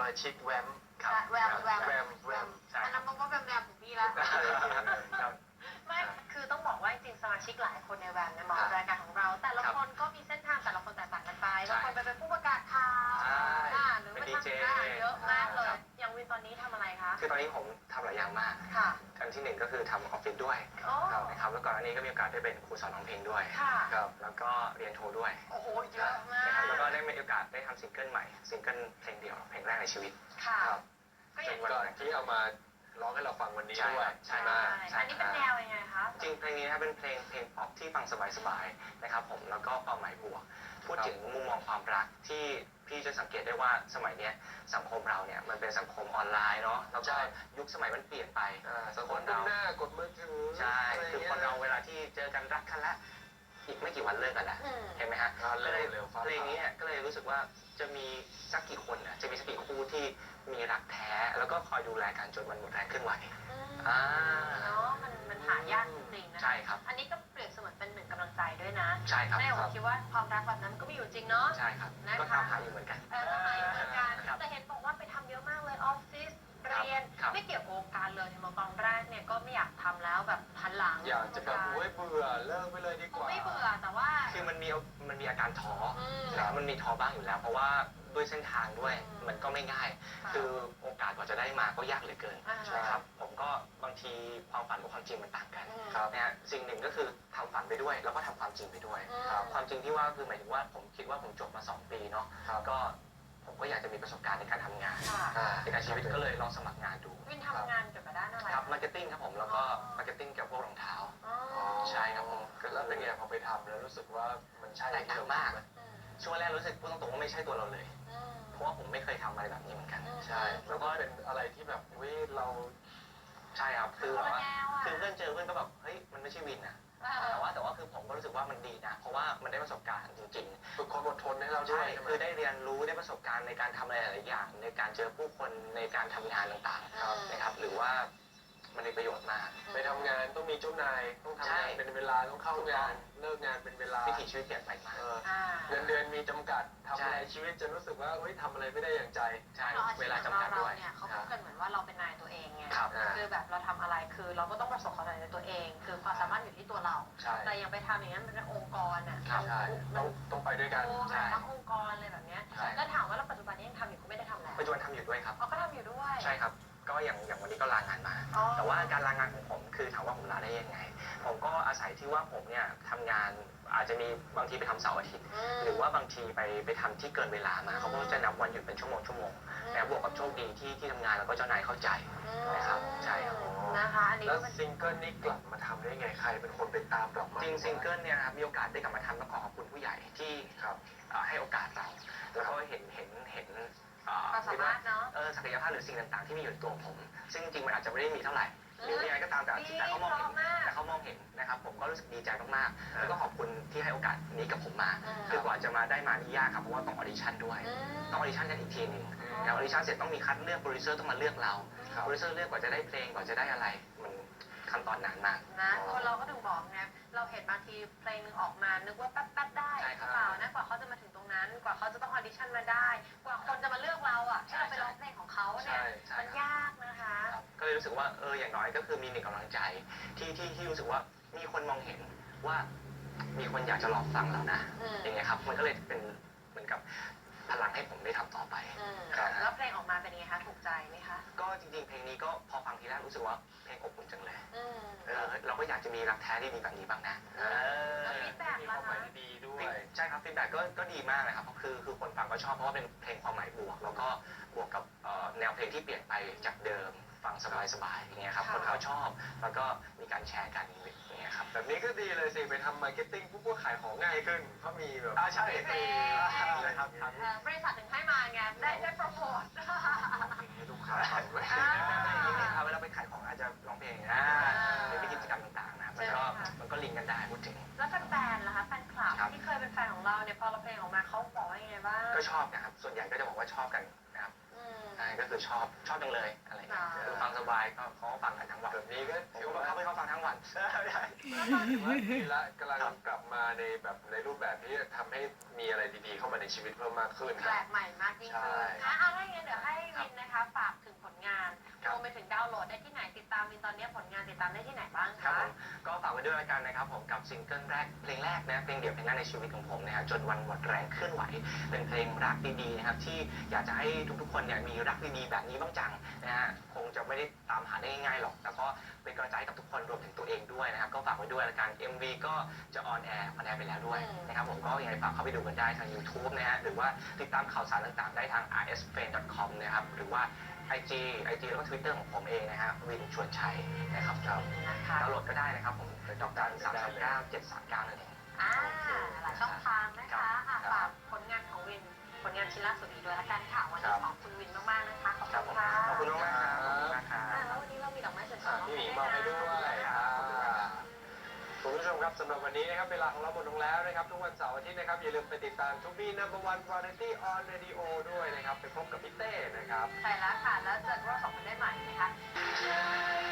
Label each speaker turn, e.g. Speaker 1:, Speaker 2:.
Speaker 1: มาชิกแวม
Speaker 2: แวมอันนั้นมันก็แวมของพี่แล้วไม่คือต้องบอกว่าจริงๆสมาชิกหลายคนในแวมเนี่ยมาออกรายการของเราแต่ละคนก็มีเส้นทางแต่ละคนแตกต่างกันไปบางคนไปเป็นผู้ประกาศข่าวหรือเป็นดีเจเยอะมากเลยอย่างวินตอนนี้ทำอะไรคะ
Speaker 3: คือตอนนี้ผมทำหลายอย่างมากอันที่หนึ่งก็คือทำออฟฟิศด้วยนะครับแล้วก่อนอันนี้ก็มีโอกาสได้เป็นครูสอนร้องเพลงด้วยครับแล้วก็เรียนโทด้วย
Speaker 2: โอ้โหเยอะมาก
Speaker 3: แล้วก็ได้มีโอกาสได้ทำซิงเกิลใหม่ซิงเกิลเพลงเดียวเพลงแรกในชีวิต
Speaker 2: ครับ
Speaker 1: ก็อย่างที่เอามาร้องให้เราฟังวันนี้ด้วย
Speaker 3: ใช่ไหม
Speaker 2: อันนี้เป็นแนวยังไงคะ
Speaker 3: จริงเพลงนี้นะเป็นเพลงป๊อปที่ฟังสบายๆนะครับผมแล้วก็ความหมายบวกพูดถึงมุมมองความรักที่พี่จะสังเกตได้ว่าสมัยนี้สังคมเราเนี่ยมันเป็นสังคมออนไลน์เนาะแล้วก็ยุคสมัยมันเปลี่ยนไป
Speaker 1: สังคมเราหน้ากดมือถือ
Speaker 3: ใช่คือคนเราเวลาที่เจอกันรักกันแล้วอีกไม่กี่วันเลิกกันแล้วเห็นไหมฮะก็เลยเพลงนี้ก็เลยรู้สึกว่าจะมีสักกี่คนนะจะมีสักกี่คู่ที่มีรักแท้แล้วก็คอยดูแลกันจนมันหมดแรงขึ้นไหว
Speaker 2: เนาะมันหายากจริงๆนะ
Speaker 3: ใช่ครับ
Speaker 2: อันนี้ก็เปรียบเสมือนเป็นหนึ่งกำลังใจด้วยนะ
Speaker 3: ใช่ครับ
Speaker 2: แม่ผมคิดว่าความรักแบบนั้นก็มีอยู่จริงเนาะ
Speaker 3: ใช่ครับก็ทำหาอยู่เหมือนกัน
Speaker 2: ทำหาอยู่เหมือนกันแต่เห็นบอกว่าไปทำเยอะมากเลยออฟฟิศเรียนไม่เกี่ยวกับวงการเลยในตอนแรกเนี่ยก็ไม่อยากทำแล้วแบบหันหลัง
Speaker 1: อยากจะแบบเบื่อเลิกไปเลยดีกว่า
Speaker 2: ไม่เบื่อแต่ว่า
Speaker 3: คือมันมีอาการท้อมันมีท้อบ้างอยู่แล้วเพราะว่าด้วยเส้นทางด้วยมันก็ไม่ง่ายคือโอกาสกว่าจะได้มาก็ยากเหลือเกินนะครับผมก็บางทีความฝันกับความจริงมันต่างกันนะฮะสิ่งหนึ่งก็คือทำฝันไปด้วยแล้วก็ทำความจริงไปด้วยความจริงที่ว่าคือหมายถึงว่าผมคิดว่าผมจบมา2 ปีเนาะก็ผมก็อยากจะมีประสบการณ์ในการทำงานในการชีวิตก็เลยลองสมัครงานดู
Speaker 2: วินทำงานเกี่ยวกับด้านอะไร
Speaker 3: ครับมาร์เก็ตติ้งครับผมแล้วก็มาร์เก็ตติ้งเกี่ยวกับพวกรองเท้าใช่ครับผม
Speaker 1: แล้วเป็นไงพอไปทำแล้วรู้สึกว่ามันใช่
Speaker 3: แตกต่างมากช่วงแรกรู้สึกพูดตรงๆว่าไม่ใช่ตัวเราเลยเพราะว่าผมไม่เคยทำอะไรแบบนี้เหมือนกัน
Speaker 1: ใช่แล้วก็เป็นอะไรที่แบบเรา
Speaker 3: ใช่ครับคือเพื่อนเจอเพื่อนก็แบบเฮ้ยมันไม่ใช่วินนะแต่ว่าคือผมก็รู้สึกว่ามันดีนะเพราะว่ามันได้ประสบการณ์จริง
Speaker 1: ๆฝึกความอดทนให้เราด้วย
Speaker 3: คือได้เรียนรู้ได้ประสบการณ์ในการทำอะไรหลายอย่างในการเจอผู้คนในการทำงานต่างๆนะครับหรือว่ามันมีประโยชน์มาก
Speaker 1: ไปทำงานต้องมีเจ้านายต้องทำงานเป็นเวลาต้องเข้างานเลิกงานเป็นเวลา
Speaker 3: วิถีชีวิตเปลี่ยนไปมาก
Speaker 1: เงินเดือนมีจำกัดทำอะไรชีวิตจะรู้สึกว่าทำอะไรไม่ได้อย่างใจ
Speaker 3: ใช่เวลาจำกัดด้วย
Speaker 2: เนี่ยเขาพูดกันเหมือนว่าเราเป็นนายตัวเองไงคือแบบเราทำอะไรคือเราก็ต้องประสบความสำเร็จในตัวเองคือความสามารถอยู่ที่ตัวเราแต่ยังไปทำอย่างนั้นเป็นองค์กรอ่ะ
Speaker 1: ต้องไปด้วยกัน
Speaker 2: ทั้งองค์กรเลยแบบนี้แล้วถามว่าเราปัจจุบันนี้ยังทำอยู่ก็ไม่ได้ทำแล้ว
Speaker 3: ปัจจุบันทำอยู่ด้วยครับ
Speaker 2: ก็ทำอยู่ด้วย
Speaker 3: ใช่ครับก็อย่างวันนี้ก็ลางานมาแต่ว่าการลางานของผมคือถามว่าผมลาได้ยังไงผมก็อาศัยที่ว่าผมเนี่ยทำงานอาจจะมีบางทีไปทำเสาร์อาทิตย์หรือว่าบางทีไปทำที่เกินเวลามาเขาก็จะนับวันหยุดเป็นชั่วโมงแต่บวกกับโชคดีที่ทำงานแล้วก็เจ้านายเข้าใจนะครับใช่ครับ
Speaker 2: นะคะ
Speaker 1: แล้วซิงเกิลนี้กลับมาทำได้ไงใครเป็นคนไปตามกลับมา
Speaker 3: จริงซิงเกิลเนี่ยครับมีโอกาสได้กลับมาทำต้องขอขอบคุณผู้ใหญ่ที่ให้โอกาสเราแล้วก็เห็น
Speaker 2: ความสามารถเนาะ
Speaker 3: ศักยภาพหรือสิ่งต่างๆที่มีอยู่ในตัวผมซึ่งจริงมันอาจจะไม่ได้มีเท่าไหร่หรือยังไงก็ตามแต่เขามองเห็นนะครับผมก็รู้สึกดีใจมากๆแล้วก็ขอบคุณที่ให้โอกาสนี้กับผมมาคือกว่าจะมาได้มานี่ยากครับเพราะว่าต้องออดิชั่นด้วยต้องออดิชั่นกันอีกทีนึงแล้วออดิชั่นเสร็จต้องมีคัดเลือกโปรดิวเซอร์ต้องมาเลือกเราโปรดิวเซอร์เลือกกว่าจะได้เพลงกว่าจะได้อะไรมันขั้นตอนนานมาก
Speaker 2: นะคนเราก็ถึงบอกไงเราเห็นบางทีเพลงนึงออกมานึกว่าแป๊บๆได้เปล่านะกว่าเขาจะมาถึงตรงนั้นกว่าเขาจะต้องออดิชั่นมาได้กว่าคนจะมาเลือกเราอ่ะให้เราไปร้องเพลงของเขาเนี่ยมันยากนะคะ
Speaker 3: ก็เลยรู้สึกว่าอย่างน้อยก็คือมีหนึ่งกำลังใจที่รู้สึกว่ามีคนมองเห็นว่ามีคนอยากจะรอฟังเรานะอย่างเงี้ยครับมันก็เลยเป็นเหมือนกับพลังให้ผมได้ทำต่อไป
Speaker 2: แล้วเพลงออกมาเป็นยังไงคะถูกใจไหมคะ
Speaker 3: ก็จริงๆเพลงนี้ก็พอฟังทีแรกรู้สึกว่าเพลงอบอุ่นจังเลยเราก็อยากจะมีรักแท้ที่ดีแบบนี้บ้างนะ
Speaker 2: ฟีดแบ็ก
Speaker 1: ความหมายดีด้วย
Speaker 3: ใช่ครับฟีดแบ็กก็ดีมากเลยครับคือคนฟังก็ชอบเพราะว่าเป็นเพลงความหมายบวกแล้วก็บวกกับแนวเพลงที่เปลี่ยนไปจากเดิมฟังสบายๆอย่างเงี้ยครับคนเขาชอบแล้วก็มีการแชร์กันอย่างเงี้ยครับ
Speaker 1: แบบนี้ก็ดีเลยสิไปทำมาร์เก็ตติ้งปุ๊บก็ขายของง่ายขึ้นเพราะมีแบบ
Speaker 3: ใช่
Speaker 2: เลยครับบริษัทถึงให้มาไงได้โปรโมท
Speaker 1: ให้ลูกค้าฟังด้วย
Speaker 3: เวลาไปขายของอาจจะร้องเพลงหรือไปกิจกรรมต่างๆนะมันก็ลิงก์กันได้พูดถึง
Speaker 2: แล้วแฟนๆล่ะคะแฟนคลับที่เคยเป็นแฟนของเราเนี่ยพอเราเพลงออกมาเขาบอกว่ายังไงบ้าง
Speaker 3: ก็ชอบนะครับส่วนใหญ่ก็จะบอกว่าชอบกันนะครับก็คือชอบจังเลยอะไรเงี้ยคือฟังสบายก็เขาฟังกันทั้งวัน
Speaker 1: แบบนี้ก็
Speaker 3: ถือว่าเขาฟังทั้งวัน
Speaker 1: ดีละกำลังกลับมาในรูปแบบที่ทำให้มีอะไรดีๆเข้ามาในชีวิตเพิ่มมากขึ้น
Speaker 2: แปลกใหม่มากยิ่งขึ้นอะไรเงี้ยเดี๋ยวให้ติดตามได้ที่ไหนบ้าง
Speaker 3: ครับ
Speaker 2: คะ
Speaker 3: ผมก็ฝากไว้ด้วยแล้วกันนะครับผมกับซิงเกิลแรกเพลงแรกนะเพลงเดี่ยวเพลงแรกในชีวิตของผมนะฮะจนวันหมดแรงเคลื่อนไหวเป็นเพลงรักดีๆนะครับที่อยากจะให้ทุกๆคนเนี่ยมีรักดีๆแบบนี้บ้างจังนะฮะคงจะไม่ได้ตามหาได้ง่ายๆหรอกแต่ก็เป็นกำลังใจให้กับทุกคนรวมถึงตัวเองด้วยนะครับก็ฝากไว้ด้วยแล้วกัน MV ก็จะออนแอร์ไปแล้วด้วยนะครับผมก็ยังไงฝากเข้าไปดูกันได้ทาง YouTube นะฮะหรือว่าติดตามข่าวสารต่างๆได้ทาง rsfan.com นะครับหรือว่า IG แล้วก็ Twitter ของผมเองนะฮะวินชวนชัยนะครับเรา
Speaker 2: นะคะ
Speaker 3: ดาวน์โหลดก็ได้นะครับผมดอกจัน339 739นั่นเอง
Speaker 2: หลายช่องทางนะคะฝากผลงานของวินผลงานชิ้นล่าสุดอีกด้วยละกันค่ะวันนี้ขอบคุณวินมากๆนะคะขอบคุณค่ะ
Speaker 3: ขอบคุณมากครับขอบคุณมากครับ
Speaker 2: แล้ววันนี้เรามีดอกไม้สวยๆมอบ
Speaker 1: พี่ห
Speaker 2: ให้
Speaker 1: มี
Speaker 2: ด้วย
Speaker 1: มอบให้
Speaker 2: นะ
Speaker 1: ด้วยคุณผู้ชมครับสำหรับวันนี้นะครับเวลาของเราหมดลงแล้วนะครับทุกวันเสาร์อาทิตย์นะครับอย่าลืมไปติดตามทูบี้นัมเบอร์วันวาไรตี้ออนเรดิโอด้วยนะครับไปพบกับพี่เต้นะครับ
Speaker 2: ใช่แล้วค่ะแล้วเจอกันเราสองคนได้ใหม่นะคะ